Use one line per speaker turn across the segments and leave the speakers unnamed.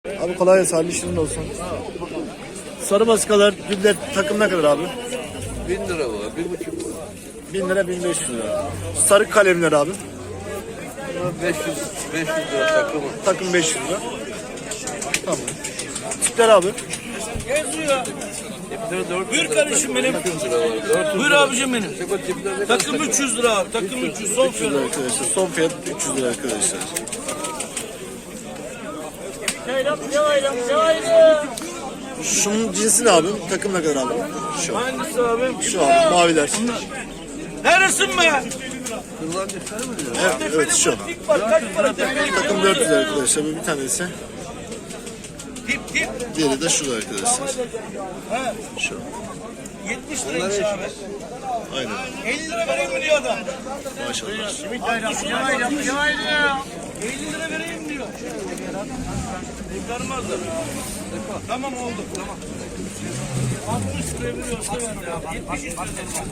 Abi kolay gelsin, hayırlı işlerin olsun. Sarı baskalar, gülle takım ne kadar abi?
1000 lira var, 1,5 var.
1000 lira, 1500 lira. Sarı kalemler abi.
Buna 500 lira takımı.
Takım 500 lira. Tamam. Tipler abi.
Geziyor.
Tipleri 400
Buyur
lira.
kardeşim benim.
400 lira var. 400
Buyur
lira.
abicim benim.
Bu tiplerde
Takım 300 lira abi. Takım 300 son
300 lira
fiyat.
arkadaşlar. Son fiyat 300 lira arkadaşlar. Şunun cinsi ne abi? Takım ne kadar abi? Şu.
Hangisi abi?
Şu abi maviler.
Neresin be?
kırılan defteri mi diyor?
Evet, evet şu.
Tip var kaç para tepeli?
Takım 400 lira arkadaşlar. Bir tanesi.
Tip.
Diğeri de şurada arkadaşlar. Şu.
70 liraymış abi.
Aynen.
50 lira vereyim mi diyor adam?
Maşallah.
50 lira vereyim diyor. Kurtarmazlar. Tamam oldu. Tamam. 60 lira veriyorsa ver ya. 70 lira.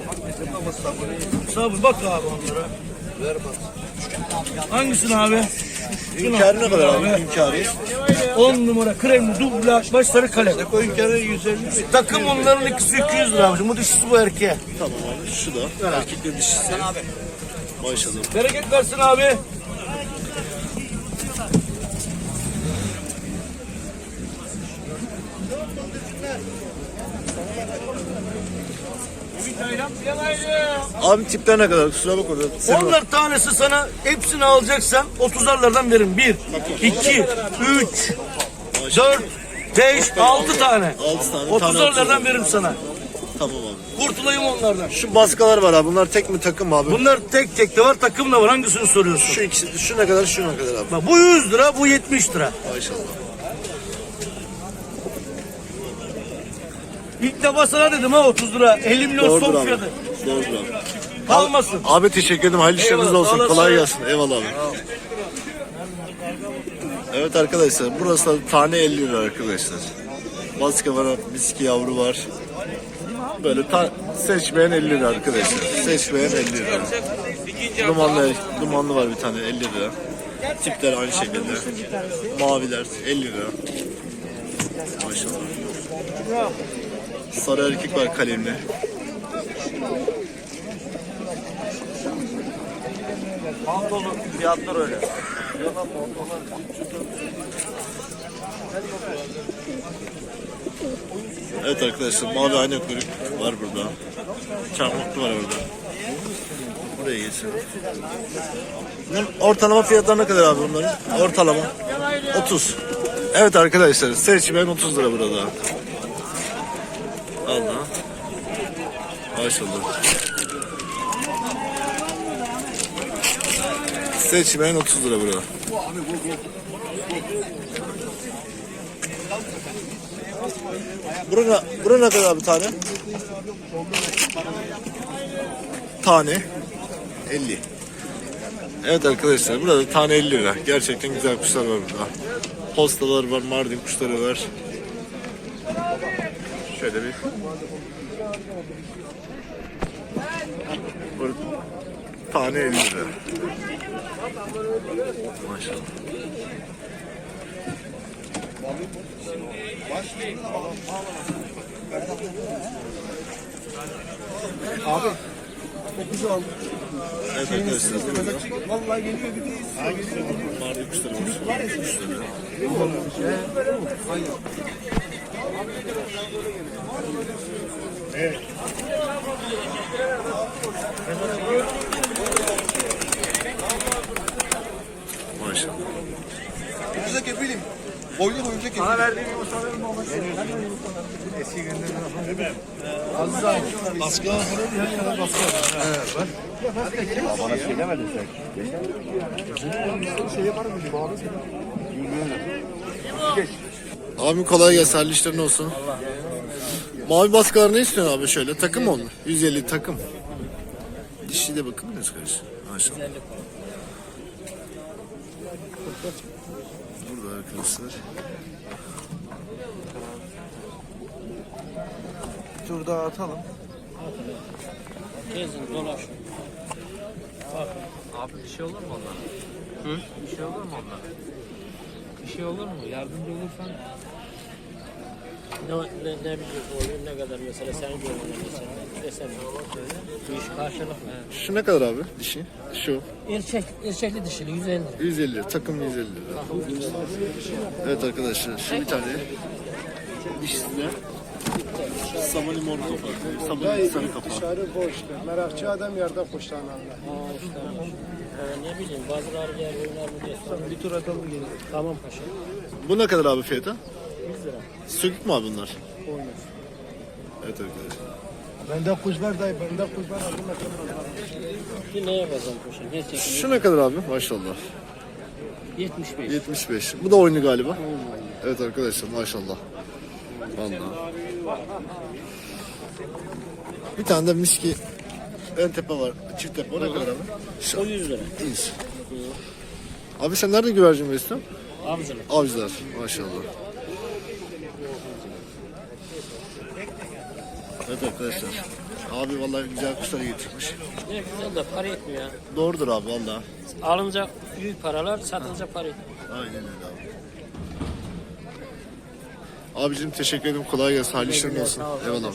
Sabır bak abi onlara.
Ver bak.
Hangisini abi?
Hünkârı ne kadar abi? Hünkârı.
10 numara kremli dublaj baş sarı kalem.
Koyun kere 150 mi?
Takım onların ikisi 200 lira abicim. Bu dişisi bu erkeğe.
Tamam abi. Şu da. Erkekle dişisi. Maşallah.
Bereket versin abi.
Abi tipler ne kadar? Kusura bakma. Senin var.
Onlar tanesi sana hepsini alacaksan 30'lardan veririm. 1, 2, 3, 4, 5, 6 tane.
6 tane.
30'lardan veririm sana.
Tamam abi.
Kurtulayım onlardan.
Şu baskalar var abi. Bunlar tek mi takım mı abi?
Bunlar tek tek de var, takım da var. Hangisini soruyorsun?
Şu ikisi, şu ne kadar, şu ne kadar abi?
Bak bu 100 lira, bu 70 lira.
Maşallah.
İlk defa sana dedim ha 30 lira. 50 milyon
Doğrudur
son
abi.
fiyatı.
Doğrudur abi.
Kalmasın.
Abi teşekkür ederim. Hayırlı işleriniz
Eyvallah,
olsun.
sağ olasın.
Kolay gelsin. Eyvallah abi. Evet arkadaşlar. Burası da tane 50 lira arkadaşlar. Baska var, miski yavru var. Böyle seçmeyen 50 lira arkadaşlar. Seçmeyen 50 lira. Dumanlı var bir tane 50 lira. Tipler aynı şekilde. Maviler 50 lira. Maşallah. Sarı erkek var kalemli.
Pantolon fiyatlar öyle.
Evet arkadaşlar mavi ayna kuyruk var burada. Çarmıklı var orada. Buraya geçelim. Bunun ortalama fiyatları ne kadar abi bunların? Ortalama 30. Evet arkadaşlar seçmen 30 lira burada. Allah. Maşallah. Seçmen 30 lira burada. Bura ne kadar abi tane? Tane 50. Evet arkadaşlar burada tane 50 lira. Gerçekten güzel kuşlar var burada. Postalar var, Mardin kuşları var. Şöyle bir. Burada tane 50 lira. Maşallah.
Abi. Çok güzel oldu.
Evet arkadaşlar burada
Vallahi geliyor gidiyor.
Mardin kuşları var. Kuşları. Maşallah.
Ucuza kefilim. Boylu boyunca kefilim. Bana verdiğin yumurtaların mı olması? Eski günlerden. Değil mi? Aziz abi. Baskı var. Evet. Bana şey demedin sen. Şey yapar mıyım abi? Geç.
Abi kolay gelsin. Hayırlı işlerin olsun. Mavi baskılar ne istiyorsun abi şöyle? Takım mı onlar? 150 takım. Dişi de bakın mı kardeş? Maşallah. Burada arkadaşlar.
Bir tur daha atalım.
Gezin dolaş. Bak. Abi bir şey olur mu onlara? Hı? Bir şey olur mu onlara? şey olur mu? Yardımcı olursan
Ne bileyim oluyor ne kadar mesela senin gönlüne mesela desem bu iş karşılıklı.
Şu ne kadar abi dişi? Şu.
Erkekli dişili 150 lira.
150 lira. Takım 150 lira. Evet arkadaşlar şu bir tane dişsizler. Sabah limon kapağı. Sabah sarı kapağı.
Dışarı boştu. Merakçı adam yerden kuşlananlar.
Ne bileyim bazıları diğer oyunlar mı diye sonra bir tur atalım gelin. Tamam paşa.
Bu ne kadar abi fiyatı?
100 lira.
Sökük mü abi bunlar? Evet arkadaşlar.
Bende kuş var dayı. Bende kuş var. Aldım
Bir neye bazan paşa? Gerçekten
Şu ne kadar abi? Maşallah.
75.
75. Bu da oyunu galiba. Evet arkadaşlar maşallah. Vallahi. Bir tane de miski ön tepe var. Çift tepe. O ne kadar abi? Şu.
O 100 lira.
100. Abi sen nerede güvercin besliyorsun?
Avcılık.
Avcılar. Maşallah. Evet arkadaşlar. Abi vallahi güzel kuşları getirmiş.
Ne güzel de para etmiyor ya.
Doğrudur abi vallahi.
Alınca büyük paralar, satınca para etmiyor.
Aynen öyle abi. Abicim teşekkür ederim. Kolay gelsin. Hayırlı işlerin olsun. Eyvallah.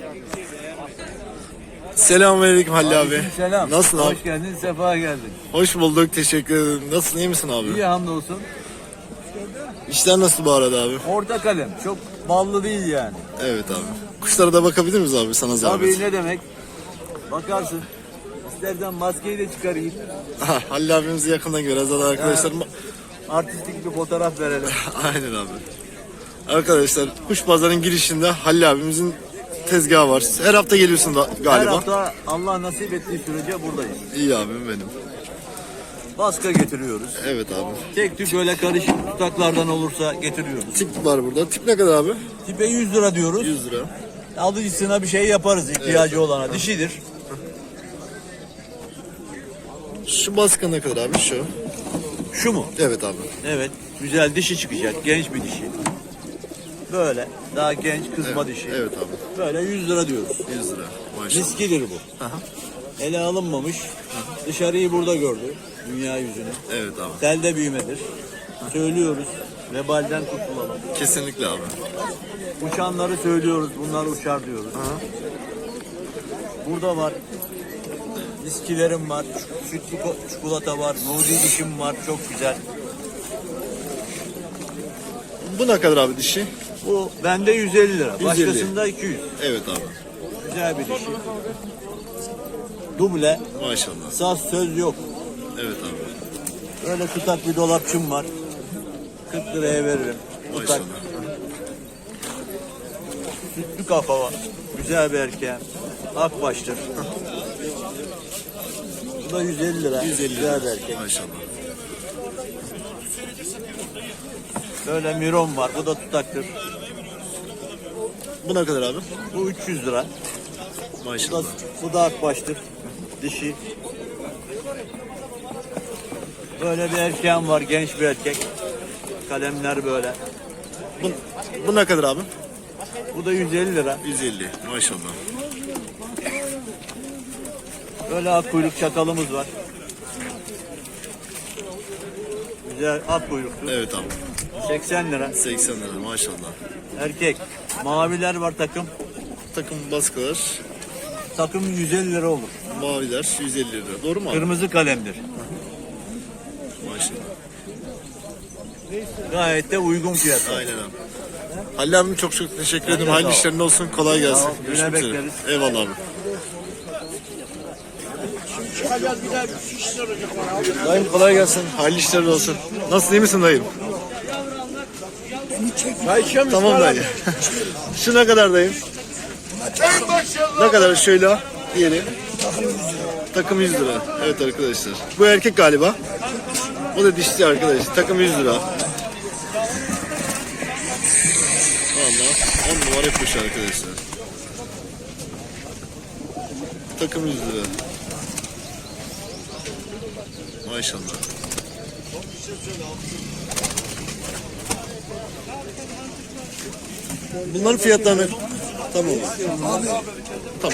Selamünaleyküm Halil abi.
Selam.
Nasılsın abi?
Hoş geldin, sefa geldin.
Hoş bulduk. Teşekkür ederim. Nasılsın? İyi misin abi?
İyi hamdolsun.
İşler nasıl bu arada abi?
Orta kalem. Çok ballı değil yani.
Evet abi. Kuşlara da bakabilir miyiz abi sana zahmet?
Tabii ne demek? Bakarsın. İstersen maskeyi de çıkarayım.
Halil abimizi yakından göreceğiz zaten arkadaşlar.
Artistik bir fotoğraf verelim.
Aynen abi. Arkadaşlar kuş pazarının girişinde Halil abimizin tezgahı var. Her hafta geliyorsun da
Her
galiba.
hafta Allah nasip ettiği sürece buradayız.
İyi abim benim.
Baska getiriyoruz.
Evet abi.
Tek tük öyle karışık tutaklardan olursa getiriyoruz.
Tip var burada. Tip ne kadar abi?
Tipe 100 lira diyoruz.
100 lira.
Alıcısına bir şey yaparız ihtiyacı olana. Dişidir.
Şu baskı ne kadar abi? Şu.
Şu mu?
Evet abi.
Evet. Güzel dişi çıkacak. Genç bir dişi. Böyle. Daha genç kızma dişi.
Evet abi.
Böyle 100 lira diyoruz.
100 lira. Maşallah.
Miskidir bu. Ele alınmamış. Dışarıyı burada gördü. Dünya yüzünü.
Evet abi.
Telde büyümedir. Söylüyoruz. Vebalden kurtulalım.
Kesinlikle abi.
Uçanları söylüyoruz. Bunlar uçar diyoruz. Burada var. Miskilerim var. Sütlü çikolata var. Nuri dişim var. Çok güzel.
Bu ne kadar abi dişi?
Bu bende 150 lira.
150.
Başkasında 200.
Evet abi.
Güzel bir dişi. Duble.
Maşallah.
Saz söz yok.
Evet abi.
Öyle tutak bir dolapçım var. 40 liraya veririm. Tutak.
Maşallah.
Sütlü kafa var. Güzel bir erkeğim. Akbaştır. Bu da 150 lira.
150
Güzel bir
lira.
erkek.
Maşallah.
Böyle miron var. Bu da tutaktır.
Bu ne kadar abi?
Bu 300 lira. Bu da,
Maşallah.
bu da akbaştır. Dişi. Böyle bir erkeğim var. Genç bir erkek. Kalemler böyle.
Bu ne kadar abi?
Bu da 150 lira.
150. Maşallah.
Böyle ak kuyruk çakalımız var. Güzel ak kuyruklu.
Evet abi.
80 lira.
80 lira maşallah.
Erkek. Maviler var takım.
Takım baskılar,
Takım 150 lira olur.
maviler 150 lira. Doğru mu abi?
Kırmızı kalemdir.
Maşallah.
Gayet de uygun fiyat.
Aynen abi. Halil abim çok teşekkür ederim.
de
Hayırlı
sağ ol.
işlerin olsun. Kolay gelsin.
Sağ ol.
Görüşmek
Yine
üzere.
bekleriz.
Eyvallah abi. Dayım kolay gelsin. Hayırlı işlerin olsun. Nasılsın, iyi misin dayım? Tamam dayı. Şu ne kadar dayım? Ne kadar şöyle diyelim. Takım 100 lira. Evet arkadaşlar. Bu erkek galiba. Bu da dişli arkadaş. Takım 100 lira. Valla 10 numara kuş arkadaşlar. Takım 100 lira. Maşallah. Bunların fiyatlarını tamam. Tamam.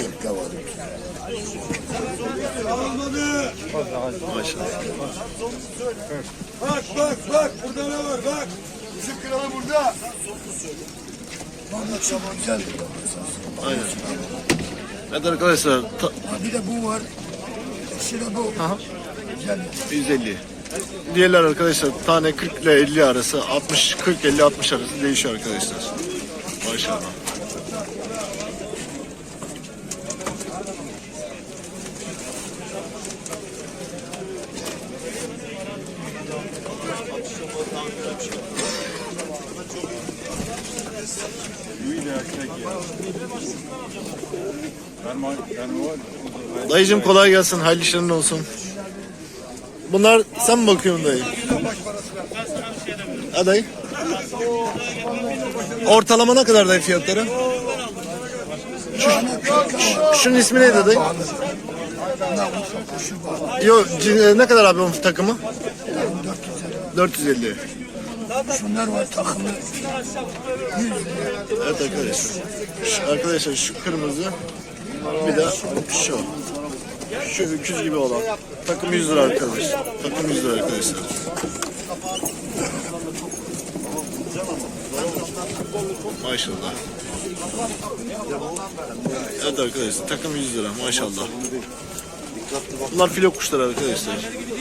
Maşallah.
Bak bak bak. Burada ne var bak.
Bizim kralı burada.
Aynen. Evet arkadaşlar
Bir de bu var. İşte bu.
Aha.
Güzel.
150. Diğerler arkadaşlar tane 40 ile 50 arası, 60 40 50 60 arası değişiyor arkadaşlar. Maşallah. Dayıcım kolay gelsin, hayırlı işlerin olsun. Bunlar sen mi bakıyorsun dayı? Ha dayı? Ortalama ne kadar dayı fiyatları? Şunun ismi neydi dayı? Yok ne kadar abi onun takımı? 450.
Şunlar var takımı. 100 lira.
Evet arkadaşlar. Arkadaşlar şu kırmızı bir de şu. Şu öküz gibi olan. Takım 100 lira arkadaşlar. Takım 100 lira arkadaşlar. Maşallah. Evet arkadaşlar takım 100 lira maşallah. Bunlar filo kuşları arkadaşlar.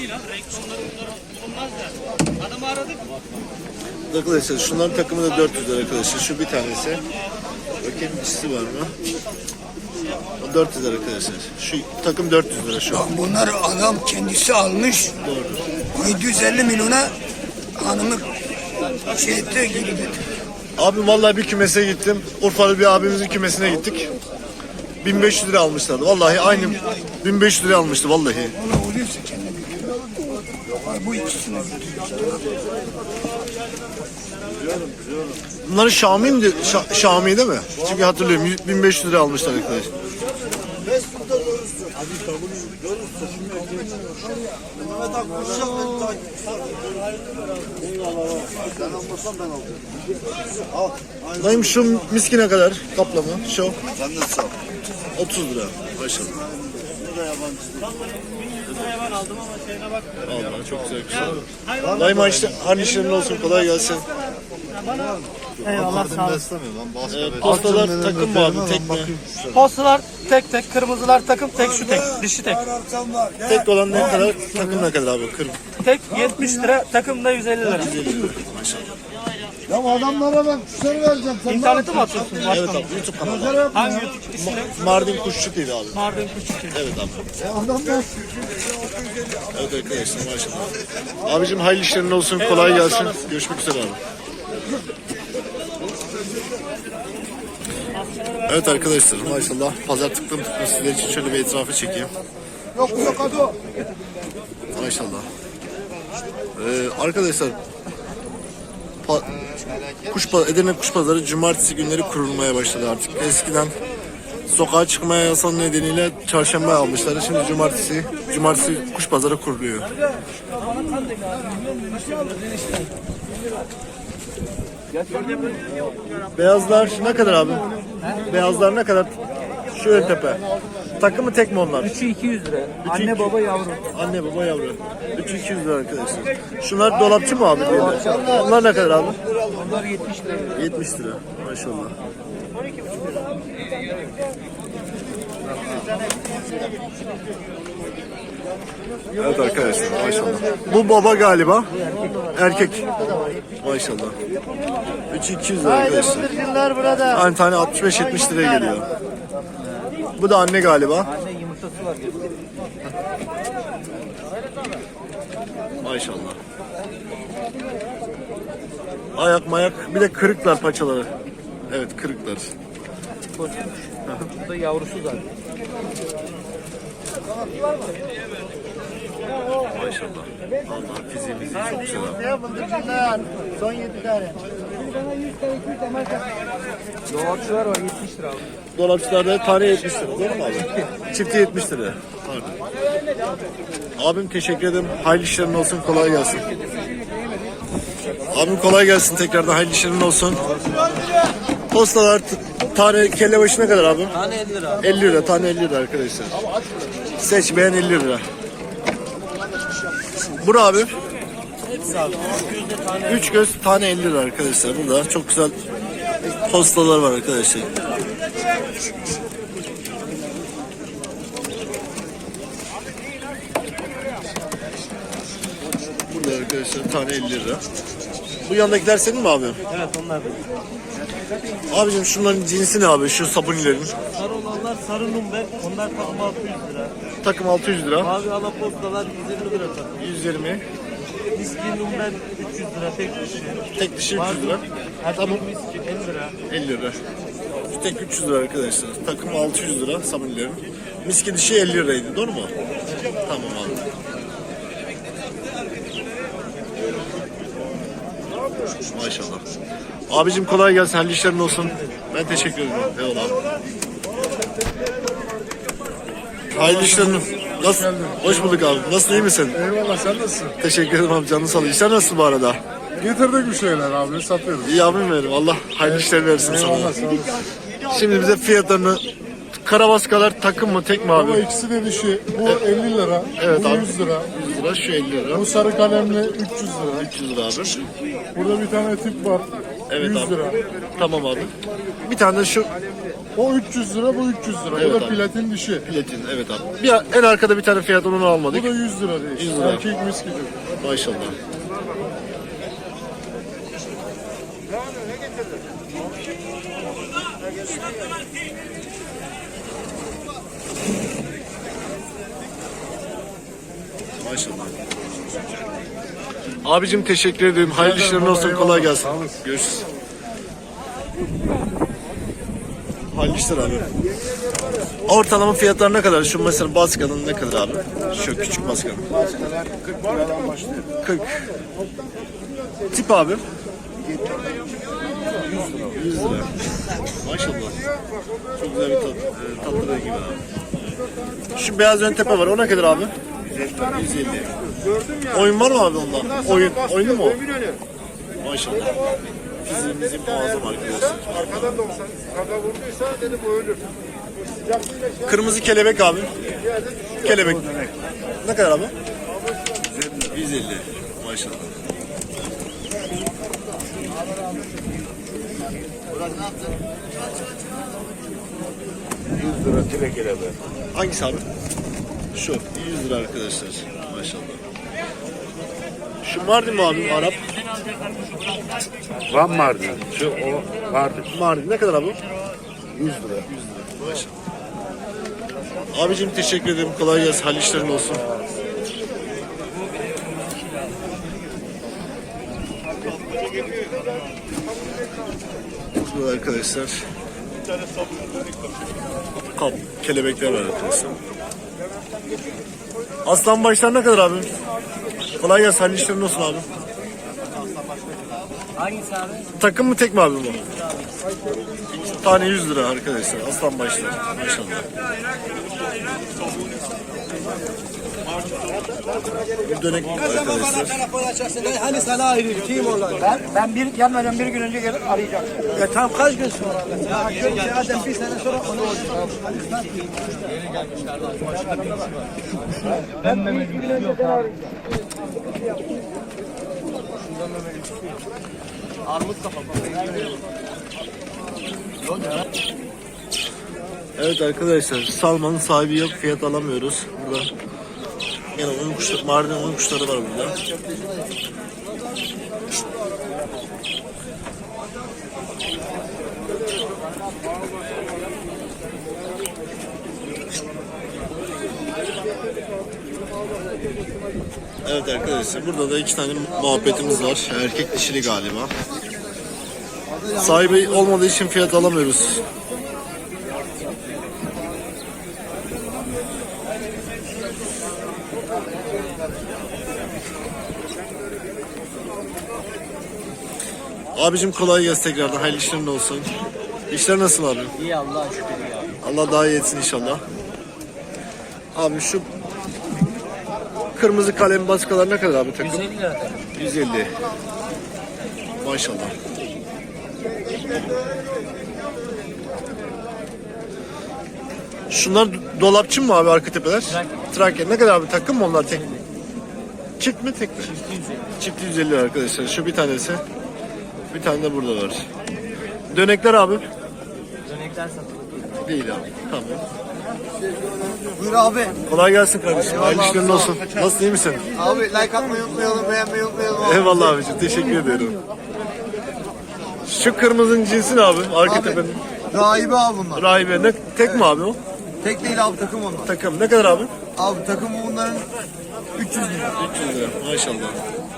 Arkadaşlar şunların takımı da 400 lira arkadaşlar. Şu bir tanesi. Bakayım dişisi var mı? O 400 lira arkadaşlar. Şu takım 400 lira şu an.
Bak bunları adam kendisi almış.
Doğru.
750 milyona hanımı şey etti, geri getirdi.
Abi vallahi bir kümese gittim. Urfalı bir abimizin kümesine gittik. 1500 lira almışlardı. Vallahi aynı 1500 lira almıştı vallahi.
Valla oluyorsa kendine götürüyor. Bu ikisini götürüyor.
Bunların Şami'ydi, Şami değil mi? Çünkü hatırlıyorum 1500 lira almışlar arkadaşlar. Dayım şu miskine kadar kaplama şu. 30 lira maşallah. Allah çok güzel güzel. Dayım harlı işlerin olsun kolay gelsin.
Eyvallah sağ olasın.
Postalar takım mı abi tek mi?
Postalar tek tek, kırmızılar takım tek, şu tek, dişi tek.
Tek olan ne kadar? Takım ne kadar abi? Kırm.
Tek 70 lira, takım da 150 lira.
Ya adamlara ben kuşları vereceğim. Sen
İnternete mi atıyorsun?
Evet
Başkanım?
abi YouTube kanalı.
Hangi YouTube ismi?
Mardin Kuşçu TV abi.
Mardin Kuşçu.
Evet abi.
adamlar
Evet arkadaşlar maşallah. Abicim hayırlı işlerin olsun kolay gelsin. Görüşmek üzere abi. Evet arkadaşlar maşallah pazar tıklım tıklım sizler için şöyle bir etrafı çekeyim.
yok hadi.
Maşallah. Arkadaşlar Edirne Kuş Pazarı cumartesi günleri kurulmaya başladı artık. Eskiden sokağa çıkmaya yasan nedeniyle çarşamba almışlar. Şimdi cumartesi kuş pazarı kuruluyor. Beyazlar ne kadar abi? Beyazlar ne kadar? Şu ön tepe. Takımı tek mi onlar?
3'ü 200 lira. Anne baba yavru.
Anne baba yavru. 3'ü 200 lira arkadaşlar. Şunlar dolapçı mı abi? Onlar ne kadar abi?
Onlar 70 lira.
70 lira. Maşallah. Evet arkadaşlar maşallah. Bu baba galiba. Erkek. Maşallah. 3'ü 200 lira arkadaşlar. Aynı tane 65-70 liraya geliyor. Bu da anne galiba.
Anne yumurtası var.
Maşallah. Ayak mayak bir de kırıklar paçaları. Evet kırıklar.
Bu da yavrusu zaten.
Maşallah. Allah fiziğimizi çok güzel abi.
Son 7 tane.
Dolapçılar var 70 lira.
Dolapçılarda tane 70 lira. Doğru mu abi? Çifti 70 lira. Pardon. Abim teşekkür ederim. Hayırlı işlerin olsun. Kolay gelsin. Abim kolay gelsin. Tekrardan hayırlı işlerin olsun. Postalar tane kelle başı ne kadar abi?
Tane 50 lira.
50 lira. Tane 50 lira arkadaşlar. Seç beğen 50 lira. Bura abi.
hepsi abi. Gözde tane.
3 göz tane 50 lira arkadaşlar. Burada çok güzel postalar var arkadaşlar. Burada arkadaşlar tane 50 lira. Bu yandakiler senin mi abi?
Evet onlar da.
Abicim şunların cinsi ne abi? Şu sabunilerin.
Sarı olanlar sarı number. Onlar takım 600 lira.
Takım 600 lira.
Mavi alapostalar 150 lira takım.
120.
Miski number 300 lira tek dişi.
Tek dişi 300 lira.
Erkek
Tamam.
miski 50 lira.
50 lira. Şu tek 300 lira arkadaşlar. Takım 600 lira sabunilerin. Miski dişi 50 liraydı. Doğru mu? Tamam abi. Maşallah. Abicim kolay gelsin. Hayırlı işlerin olsun. Ben teşekkür ederim. Eyvallah abi. Hayırlı işlerin. Nasıl? Hoş bulduk abi. Nasılsın, iyi misin?
Eyvallah, sen nasılsın?
Teşekkür ederim abi. Canın sağ ol. İşler nasıl bu arada?
Getirdik bir şeyler abi, satıyoruz.
İyi abim benim. Allah hayırlı işler versin sana.
Eyvallah, sağ olasın.
Şimdi bize fiyatlarını, karabaskalar takım mı tek mi abi?
Ama ikisi de dişi. Bu 50 lira,
Evet
bu
abi.
100 lira.
100 lira, şu 50 lira.
Bu sarı kalemli 300 lira.
300 lira abi.
Burada bir tane tip var.
Evet
100
abi.
lira.
Tamam abi. Bir tane de şu
O 300 lira, bu 300 lira.
Evet
bu da
abi.
platin dişi.
platin. Evet abi. En arkada bir tane fiyat onu almadık.
Bu da 100 lira değil.
100 lira.
Erkek miski.
Maşallah. Maşallah. Abicim teşekkür ederim. Hayırlı işlerin olsun. Kolay gelsin. Görüşürüz. Hayırlı işler abi. Ortalama fiyatlar ne kadar? Şu mesela baskanın ne kadar abi? Şu küçük baskanın.
Başkalar 40 liradan başlıyor.
40. Tip abi? 100 lira. Maşallah. Çok güzel bir tatlı rengi var abi. Şu beyaz ön tepe var. O ne kadar abi? 150. Oyun var mı abi onda? Oyunu mu o? Maşallah. Bizim muazzam arkadaşlar.
Arkadan 90. Kaka vurduysa dedim o ölür.
Kırmızı kelebek abi. Kelebek. Ne kadar abi? 150. Maşallah. Hangisi abi? Şu 100 lira arkadaşlar. Maşallah. Şu Mardin mi abi? Arap.
Van Mardin. Şu o Mardin.
Mardin ne kadar abi?
100 lira.
Maşallah. Abicim teşekkür ederim. Kolay gelsin. Hayırlı işlerin olsun. Burada arkadaşlar kap, kelebekler var arkadaşlar. Aslan başlar ne kadar abi? Kolay gelsin. Hayırlı işlerin olsun abi.
Hangisi abi?
Takım mı tek mi abi bu? Tane 100 lira arkadaşlar. Aslan başlar. Maşallah. Bir dönek arkadaşlar.
Hani sana ayrı kim olan? Ben bir gelmeden bir gün önce gelip arayacağım. Tam kaç gün sonra? Zaten bir sene sonra onu olacak. Ben bir gün önce arayacağım. Armut kafa.
Evet arkadaşlar, Salman'ın sahibi yok, fiyat alamıyoruz. Burada yine oyun kuşları, Mardin oyun kuşları var burada. Evet arkadaşlar, burada da iki tane muhabbetimiz var. Erkek dişili galiba. Sahibi olmadığı için fiyat alamıyoruz. Abicim kolay gelsin tekrardan. Hayırlı işlerin olsun. İşler nasıl abi?
İyi Allah'a şükür ya.
Allah daha iyi etsin inşallah. Abi şu kırmızı kalem baskalar ne kadar abi takım?
150 lira.
150. Maşallah. Şunlar dolapçı mı abi arka tepeler?
Trakya.
Trakya. Ne kadar abi takım mı onlar tek mi? Çift mi tek mi? Çift 150 lira arkadaşlar. Şu bir tanesi. Bir tane de burada var. Dönekler abi.
Dönekler satılık.
Değil abi. Tamam.
Buyur abi.
Kolay gelsin kardeşim. Hayırlı işlerin olsun. Nasılsın, iyi misin?
Abi like atmayı unutmayalım, beğenmeyi unutmayalım abi.
Eyvallah abicim. Teşekkür ediyorum. Şu kırmızının cinsi ne abi? Arka tepenin.
Rahibe abi bunlar.
Rahibe. Ne, tek mi abi o?
Tek değil abi, takım onlar.
Takım. Ne kadar abi?
Abi takımı bunların 300 lira.
300 lira. Maşallah.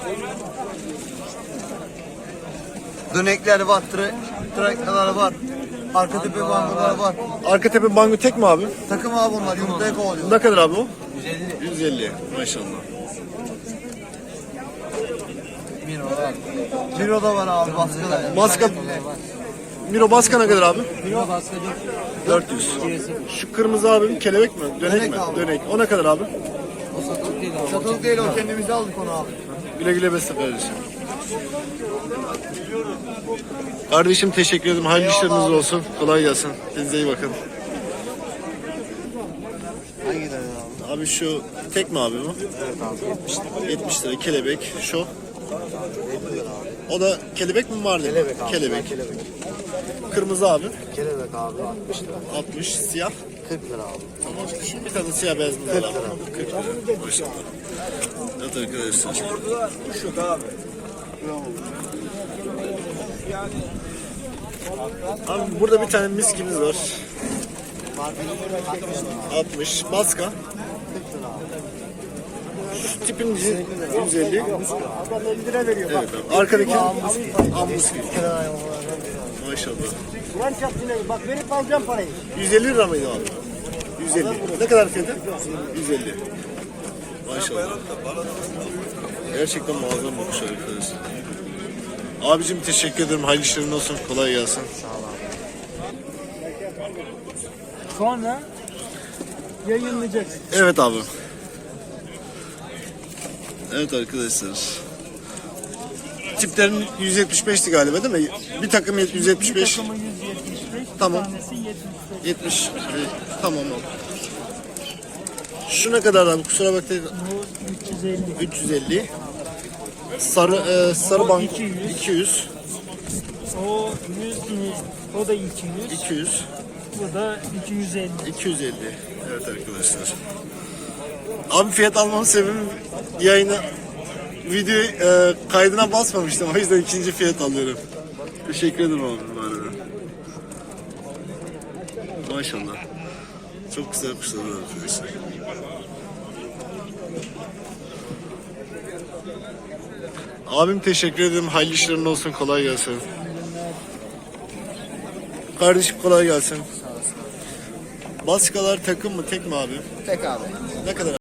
Dönekler var, trakyalar var. Arka tepe bangolar var.
Arka tepe bango tek mi abi?
Takım abi bunlar, yumurtaya kovalıyor.
Ne kadar abi o?
150.
150. Maşallah.
Miro da var abi, baskılar.
Baska. Miro Baska ne kadar abi?
Miro baskı
400. Şu kırmızı abi kelebek mi? Dönek
Dönek
mi?
abi.
Dönek. O ne kadar abi?
o satılık değil abi.
Satılık değil o, kendimize aldık onu abi.
Güle güle besle kardeşim. Kardeşim teşekkür ederim. Hayırlı işleriniz olsun. Kolay gelsin. Kendinize iyi bakın.
Hangi tane abi?
Abi şu tek mi abi bu? Evet abi. 70 lira kelebek. Şu. O da kelebek mi var?
Kelebek abi.
Kelebek.
Kelebek.
Kırmızı abi.
Kelebek abi 60 lira.
60. Siyah.
40 lira abi.
Tamam. Şu bir tane siyah beyaz mı var abi? 40 lira. Maşallah. Evet arkadaşlar.
Şu abi.
Abi burada bir tane miskimiz var. 60. Baska. Şu tipin 150. Evet abi. Arkadaki ambuski. Maşallah.
Bak verip alacağım parayı.
150 lira mıydı abi? 150. Ne kadar fiyatı? 150. Maşallah. Gerçekten muazzam bir kuş arkadaşlar. Abicim teşekkür ederim. Hayırlı işlerin olsun. Kolay gelsin.
Sonra yayınlayacaksın.
Evet abi. Evet arkadaşlar. Tiplerin 175'ti galiba değil mi? Bir takım 175.
Takımı 175.
Tamam.
Bir tanesi 75.
70. Tamam abi. Şu ne kadar abi? Kusura bakmayın.
Bu 350.
350. Sarı bank
200.
200.
O 100, o da 200.
200.
Bu da 250.
250. Evet arkadaşlar. Abi fiyat almamın sebebi yayına video kaydına basmamıştım. O yüzden ikinci fiyat alıyorum. Teşekkür ederim abi bu arada. Maşallah. Çok güzel kuşlar var arkadaşlar. Abim teşekkür ederim. Hayırlı işlerin olsun. Kolay gelsin. Kardeşim kolay gelsin. Baskalar takım mı tek mi abi?
Tek abi.
Ne kadar